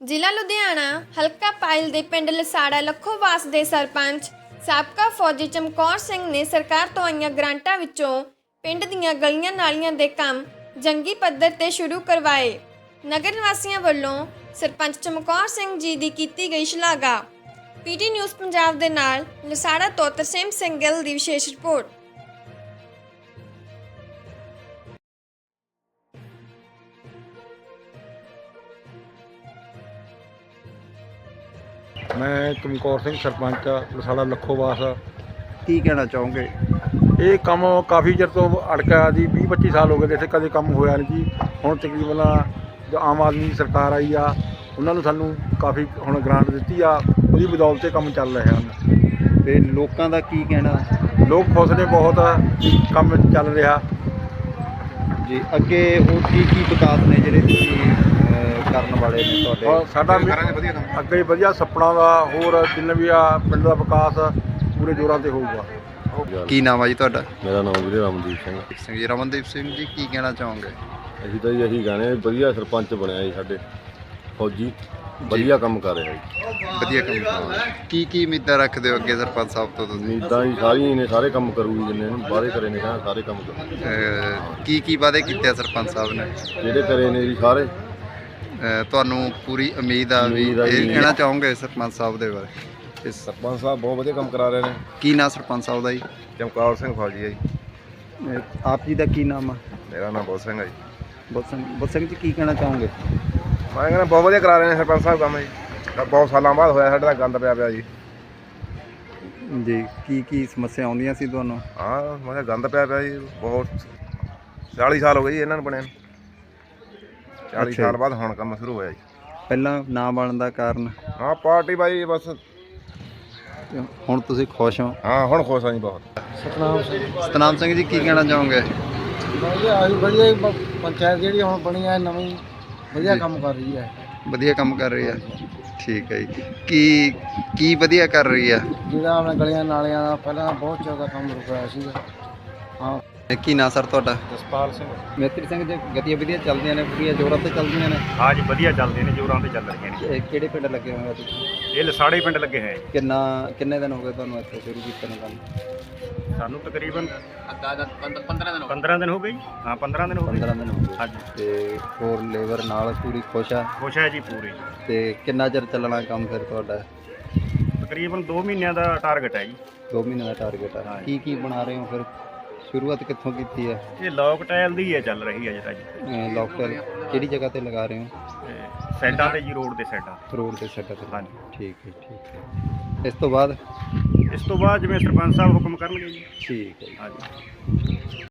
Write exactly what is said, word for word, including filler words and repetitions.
ਜ਼ਿਲ੍ਹਾ ਲੁਧਿਆਣਾ ਹਲਕਾ ਪਾਇਲ ਦੇ ਪਿੰਡ ਲਸਾੜਾ ਲੱਖੋਵਾਸ ਦੇ ਸਰਪੰਚ ਸਾਬਕਾ ਫੌਜੀ ਚਮਕੌਰ ਸਿੰਘ ਨੇ ਸਰਕਾਰ ਤੋਂ ਆਈਆਂ ਗ੍ਰਾਂਟਾਂ ਵਿੱਚੋਂ ਪਿੰਡ ਦੀਆਂ ਗਲੀਆਂ ਨਾਲੀਆਂ ਦੇ ਕੰਮ ਜੰਗੀ ਪੱਧਰ ਤੇ ਸ਼ੁਰੂ ਕਰਵਾਏ। ਨਗਰ ਨਿਵਾਸੀਆਂ ਵੱਲੋਂ ਸਰਪੰਚ ਚਮਕੌਰ ਸਿੰਘ ਜੀ ਦੀ ਕੀਤੀ ਗਈ ਸ਼ਲਾਘਾ। ਪੀਟੀ ਨਿਊਜ਼ ਪੰਜਾਬ ਦੇ ਨਾਲ ਲਸਾੜਾ ਤੋਂ ਤਰਸੇਮ ਸਿੰਘ ਗਿੱਲ ਦੀ ਵਿਸ਼ੇਸ਼ ਰਿਪੋਰਟ। मैं चमकौर सिंह सरपंच लसाड़ा लखोवास। ਕੀ ਕਹਿਣਾ ਚਾਹੋਗੇ? ਇਹ ਕੰਮ ਕਾਫੀ ਚਿਰ ਤੋਂ ਅੜਕਿਆ ਜੀ, ਵੀਹ ਪੱਚੀ ਸਾਲ ਹੋ ਗਏ ਤੇ ਇੱਥੇ ਕਦੇ ਕੰਮ ਹੋਇਆ ਨਹੀਂ ਜੀ। ਹੁਣ ਤਕਰੀਬਨ ਜੋ ਆਮ ਆਦਮੀ ਦੀ ਸਰਕਾਰ ਆਈ ਆ ਉਹਨਾਂ ਨੂੰ ਸਾਨੂੰ ਕਾਫੀ ਹੁਣ ਗ੍ਰਾਂਟ ਦਿੱਤੀ ਆ, ਉਹਦੀ ਬਦੌਲਤ ਤੇ ਕੰਮ ਚੱਲ ਰਹੇ ਹਨ। ਤੇ ਲੋਕਾਂ ਦਾ ਕੀ ਕਹਿਣਾ? ਲੋਕ ਖੁਸ਼ ਨੇ ਬਹੁਤ, ਕੰਮ ਚੱਲ ਰਿਹਾ ਜੀ ਅੱਗੇ ਹੋਰ ਕੀ ਕੀ ਵਿਕਾਸ ਨੇ ਜਿਹੜੇ ਤੁਸੀਂ ਅਹ, ਕਰਨ ਵਾਲੇ ਨੇ ਔਰ ਤੁਹਾਡੇ? ਸਾਡਾ ਅੱਗੇ ਹੀ ਵਧੀਆ ਸੁਪਨਾ ਦਾ ਹੋਰ ਜਿੰਨੇ ਵੀ ਆ ਪਿੰਡ ਦਾ ਵਿਕਾਸ ਪੂਰੇ ਜ਼ੋਰਾਂ ਤੇ ਹੋਊਗਾ। ਕੀ ਨਾਮ ਆ ਜੀ ਤੁਹਾਡਾ? ਮੇਰਾ ਨਾਮ ਵੀਰੇ ਰਮਨਦੀਪ ਸਿੰਘ। ਸਿੰਘ ਜੀ ਰਮਨਦੀਪ ਸਿੰਘ ਜੀ ਕੀ ਕਹਿਣਾ ਚਾਹੋਗੇ? ਅਸੀਂ ਤਾਂ ਜੀ ਇਹੀ ਕਹਿੰਦੇ ਵਧੀਆ ਸਰਪੰਚ ਬਣਿਆ ਜੀ ਸਾਡੇ ਫੌਜੀ, ਵਧੀਆ ਕੰਮ ਕਰ ਰਿਹਾ ਜੀ। ਵਧੀਆ ਕੰਮ। ਕੀ ਕੀ ਉਮੀਦਾਂ ਰੱਖਦੇ ਹੋ ਅੱਗੇ ਸਰਪੰਚ ਸਾਹਿਬ ਤੋਂ ਤੁਸੀਂ? ਉਮੀਦਾਂ ਜੀ ਸਾਰੀਆਂ ਨੇ, ਸਾਰੇ ਕੰਮ ਕਰੂਗੀ ਜਿੰਨੇ ਨੇ ਵਾਅਦੇ ਕਰੇ ਨੇ ਕਹਿੰਦਾ ਸਾਰੇ ਕੰਮ ਕਰੂ। ਅਹ, ਕੀ ਕੀ ਵਾਅਦੇ ਕੀਤੇ ਆ ਸਰਪੰਚ ਸਾਹਿਬ ਨੇ? ਜਿਹੜੇ ਕਰੇ ਨੇ ਜੀ ਸਾਰੇ। ਅਹ, ਤੁਹਾਨੂੰ ਪੂਰੀ ਉਮੀਦ ਆ ਵੀ ਉਮੀਦ ਆ ਜੀ। ਇਹ ਕਹਿਣਾ ਚਾਹੋਗੇ ਸਰਪੰਚ ਸਾਹਿਬ ਦੇ ਬਾਰੇ? ਇਸ ਸਰਪੰਚ ਸਾਹਿਬ ਬਹੁਤ ਵਧੀਆ ਕੰਮ ਕਰਾ ਰਹੇ ਨੇ। ਕੀ ਨਾਮ ਸਰਪੰਚ ਸਾਹਿਬ ਦਾ ਜੀ? ਚਮਕੌਰ ਸਿੰਘ ਫੌਜੀ ਹੈ ਜੀ। ਅਹ, ਆਪ ਜੀ ਦਾ ਕੀ ਨਾਮ ਆ? ਮੇਰਾ ਨਾਮ ਬਹੁਤ ਸਿੰਘ ਹੈ ਜੀ। ਬੁੱਧ ਸਿੰਘ ਬੁੱਧ ਸਿੰਘ ਜੀ ਕੀ ਕਹਿਣਾ ਚਾਹੋਗੇ? ਮੈਂ ਕਹਿੰਦਾ ਬਹੁਤ ਵਧੀਆ ਕਰਾ ਰਹੇ ਨੇ ਸਰਪੰਚ ਸਾਹਿਬ ਕੰਮ ਜੀ। ਬਹੁਤ ਸਾਲਾਂ ਬਾਅਦ ਹੋਇਆ ਸਾਡੇ ਦਾ ਗੰਦ ਪਿਆ ਪਿਆ ਜੀ। ਜੀ ਕੀ ਕੀ ਸਮੱਸਿਆ ਆਉਂਦੀਆਂ ਸੀ ਤੁਹਾਨੂੰ? ਹਾਂ ਮੈਂ ਕਿਹਾ ਗੰਦ ਪਿਆ ਪਿਆ ਜੀ ਬਹੁਤ। ਚਾਲੀ ਸਾਲ ਹੋ ਗਏ ਜੀ ਇਹਨਾਂ ਨੂੰ ਬਣਿਆ। ਚਾਲੀ ਅੱਛਾ ਸਾਲ ਜੀ। ਬਾਅਦ ਹੁਣ ਕੰਮ ਸ਼ੁਰੂ ਹੋਇਆ ਜੀ। ਪਹਿਲਾਂ ਨਾ ਬਣਨ ਦਾ ਕਾਰਨ? ਹਾਂ ਪਾਰਟੀ ਬਾਈ ਬਸ। ਹੁਣ ਤੁਸੀਂ ਖੁਸ਼ ਹੋ? ਹਾਂ ਹੁਣ ਖੁਸ਼ ਹਾਂ ਜੀ ਬਹੁਤ। ਸਤਨਾਮ ਸਿੰਘ ਸਤਨਾਮ ਸਿੰਘ ਜੀ ਕੀ ਕਹਿਣਾ ਚਾਹੋਗੇ? ਵਧੀਆ ਆਹੀ ਵਧੀਆ ਪੰਚਾਇਤ ਜਿਹੜੀ ਹੁਣ ਬਣੀ ਆ ਨਵੀਂ ਵਧੀਆ ਕੰਮ ਕਰ ਰਹੀ ਹੈ। ਵਧੀਆ ਕੰਮ ਕਰ ਰਹੀ ਆ। ਠੀਕ ਹੈ ਜੀ। ਕੀ ਕੀ ਵਧੀਆ ਕਰ ਰਹੀ ਆ? ਜਿਹੜਾ ਆਪਣੇ ਗਲੀਆਂ ਨਾਲੀਆਂ ਦਾ ਪਹਿਲਾਂ ਬਹੁਤ ਜ਼ਿਆਦਾ ਕੰਮ ਰੁਕਿਆ ਸੀਗਾ। ਹਾਂ ਇਹ ਕੀ ਨਾਂ ਸਰ ਤੁਹਾਡਾ? ਜਸਪਾਲ ਸਿੰਘ। ਮੇਤਰੀ ਸਿੰਘ ਜੀ ਗਤੀਵਿਧੀਆਂ ਚੱਲਦੀਆਂ ਨੇ, ਪੂਰੀਆਂ ਜ਼ੋਰਾਂ ਤੇ ਚੱਲਦੀਆਂ ਨੇ? ਹਾਂ ਜੀ ਵਧੀਆ ਚੱਲਦੇ ਨੇ, ਜੋਰਾਂ ਤੇ ਚੱਲ ਰਹੀਆਂ ਨੇ। ਇਹ ਕਿਹੜੇ ਪਿੰਡ ਲੱਗੇ ਹੋਏ ਆ ਤੁਸੀਂ? ਇਹ ਲਸਾੜੇ ਪਿੰਡ ਲੱਗੇ ਹੈ। ਕਿੰਨਾ ਕਿੰਨੇ ਦਿਨ ਹੋ ਗਏ ਤੁਹਾਨੂੰ ਇੱਥੇ ਸ਼ੁਰੂ ਕੀਤੇ ਨੂੰ ਕੰਮ? ਸਾਨੂੰ ਤਕਰੀਬਨ ਪੰਦਰਾਂ ਦਿਨ ਹੋ ਗਏ ਜੀ। ਹਾਂ ਪੰਦਰਾਂ ਦਿਨ ਹੋ ਗਏ। ਪੰਦਰਾਂ ਦਿਨ ਹੋ ਗਏ। ਹਾਂਜੀ ਤੇ ਹੋਰ ਲੇਬਰ ਨਾਲ ਪੂਰੀ ਖੁਸ਼ ਆ? ਖੁਸ਼ ਹੈ ਜੀ ਪੂਰੀ। ਤੇ ਕਿੰਨਾ ਚਿਰ ਚੱਲਣਾ ਕੰਮ ਫਿਰ ਤੁਹਾਡਾ? ਤਕਰੀਬਨ ਦੋ ਮਹੀਨਿਆਂ ਦਾ ਟਾਰਗੇਟ ਹੈ ਜੀ। ਦੋ ਮਹੀਨੇ ਦਾ ਟਾਰਗੇਟ ਆ। ਕੀ ਕੀ ਬਣਾ ਰਹੇ ਹੋ ਫਿਰ? ਸ਼ੁਰੂਆਤ ਕਿੱਥੋਂ ਕੀਤੀ ਹੈ? ਇਹ ਲੋਕ ਟਾਇਲ ਦੀ ਹੈ ਚੱਲ ਰਹੀ ਹੈ ਜਿਹੜਾ ਜੀ। ਲੋਕਲ ਕਿਹੜੀ ਜਗ੍ਹਾ ਤੇ ਲਗਾ ਰਹੇ ਹੋ? ਤੇ ਸਾਈਡਾਂ ਤੇ ਜੀ, ਰੋਡ ਦੇ ਸਾਈਡਾਂ। ਰੋਡ ਦੇ ਸੈੱਟ ਤੇ? ਹਾਂਜੀ ਠੀਕ ਹੈ ਠੀਕ ਹੈ। ਇਸ ਤੋਂ ਬਾਅਦ? ਇਸ ਤੋਂ ਬਾਅਦ ਜਿਵੇਂ ਸਰਪੰਚ ਸਾਹਿਬ ਹੁਕਮ ਕਰਨਗੇ ਜੀ। ਠੀਕ ਹੈ ਜੀ। ਹਾਂਜੀ।